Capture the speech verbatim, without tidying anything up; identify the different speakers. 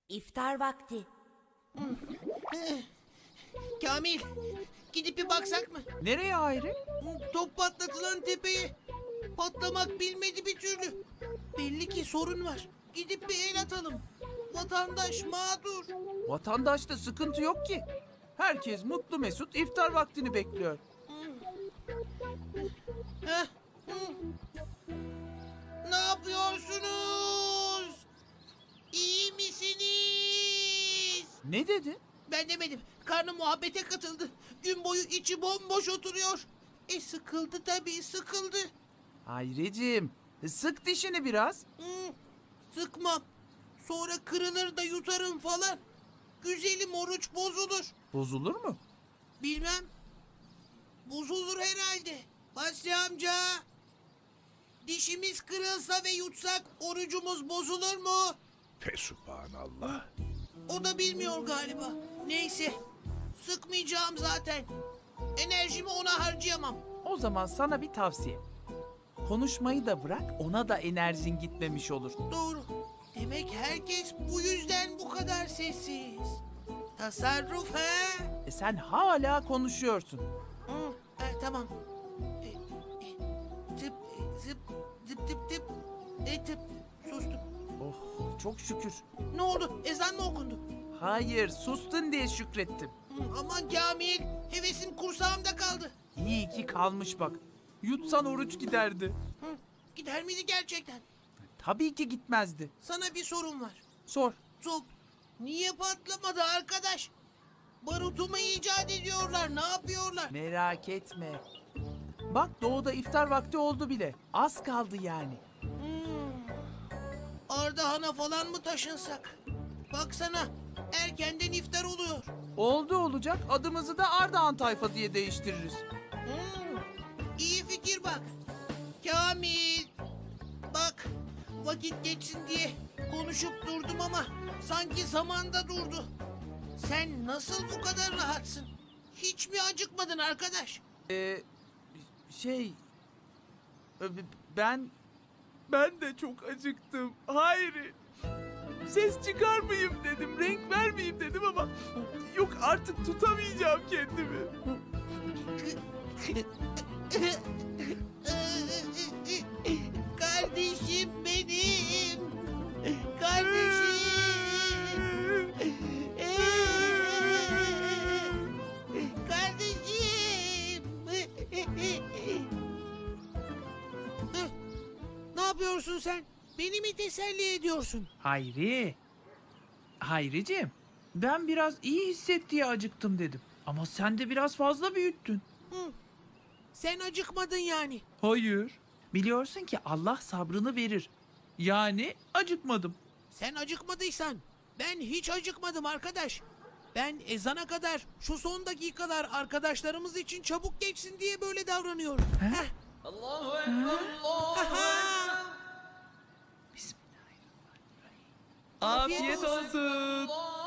Speaker 1: İftar vakti.
Speaker 2: Kamil, gidip bir baksak mı?
Speaker 3: Nereye Hayri?
Speaker 2: Top patlatılan tepeye. Patlamak bilmedi bir türlü. Belli ki sorun var. Gidip bir el atalım. Vatandaş mağdur.
Speaker 3: Vatandaşta sıkıntı yok ki. Herkes mutlu mesut iftar vaktini bekliyor.
Speaker 2: Heh. Hı. Ne yapıyorsunuz? İyi misiniz?
Speaker 3: Ne dedi?
Speaker 2: Ben demedim. Karnı muhabbete katıldı. Gün boyu içi bomboş oturuyor. E sıkıldı tabii, sıkıldı.
Speaker 3: Hayriciğim, sık dişini biraz.
Speaker 2: Hı, sıkmam. Sonra kırılır da yutarım falan. Güzelim oruç bozulur.
Speaker 3: Bozulur mu?
Speaker 2: Bilmem. Bozulur herhalde. Basri amca. Dişimiz kırılsa ve yutsak orucumuz bozulur mu?
Speaker 4: Fesubhanallah.
Speaker 2: O da bilmiyor galiba. Neyse. Sıkmayacağım zaten. Enerjimi ona harcayamam.
Speaker 3: O zaman sana bir tavsiye. Konuşmayı da bırak, ona da enerjin gitmemiş olur.
Speaker 2: Doğru. Demek herkes bu yüzden bu kadar sessiz. Tasarruf he?
Speaker 3: E sen hala konuşuyorsun.
Speaker 2: Hı, he, tamam. E, e, tıp, e, zıp, zıp tıp tıp. E tıp. Sustum.
Speaker 3: Oh, çok şükür.
Speaker 2: Ne oldu? Ezan mı okundu?
Speaker 3: Hayır, sustun diye şükrettim.
Speaker 2: Hı, aman Kamil. Hevesim kursağımda kaldı.
Speaker 3: İyi ki kalmış bak. Yutsan oruç giderdi.
Speaker 2: Hı, gider miydi gerçekten?
Speaker 3: Tabii ki gitmezdi.
Speaker 2: Sana bir sorum var.
Speaker 3: Sor.
Speaker 2: Top niye patlamadı arkadaş? Barutu mu icat ediyorlar? Ne yapıyorlar?
Speaker 3: Merak etme. Bak doğuda iftar vakti oldu bile. Az kaldı yani.
Speaker 2: Hmm. Ardahan'a falan mı taşınsak? Baksana erkenden iftar oluyor.
Speaker 3: Oldu olacak, adımızı da Ardahan tayfa diye değiştiririz.
Speaker 2: Hmm. İyi fikir bak. Kamil. Bak vakit geçsin diye konuşup durdum ama sanki zamanda durdu. Sen nasıl bu kadar rahatsın? Hiç mi acıkmadın arkadaş?
Speaker 3: Ee, şey... e, Ben... Ben de çok acıktım. Hayır. Ses çıkarmayayım dedim, renk vermeyeyim dedim ama... Yok artık tutamayacağım kendimi.
Speaker 2: Kardeşim benim. Kardeşim. Kardeşim. Ne yapıyorsun sen? Beni mi teselli ediyorsun?
Speaker 3: Hayri. Hayriciğim, ben biraz iyi hisset diye acıktım dedim. Ama sen de biraz fazla büyüttün.
Speaker 2: Hı. Sen acıkmadın yani.
Speaker 3: Hayır. Biliyorsun ki Allah sabrını verir. Yani acıkmadım.
Speaker 2: Sen acıkmadıysan ben hiç acıkmadım arkadaş. Ben ezana kadar şu son dakikalar arkadaşlarımız için çabuk geçsin diye böyle davranıyorum. Heh.
Speaker 5: Allahu Ekber, Allahu Ekber.
Speaker 3: Afiyet
Speaker 2: olsun.
Speaker 3: olsun.
Speaker 5: Allahu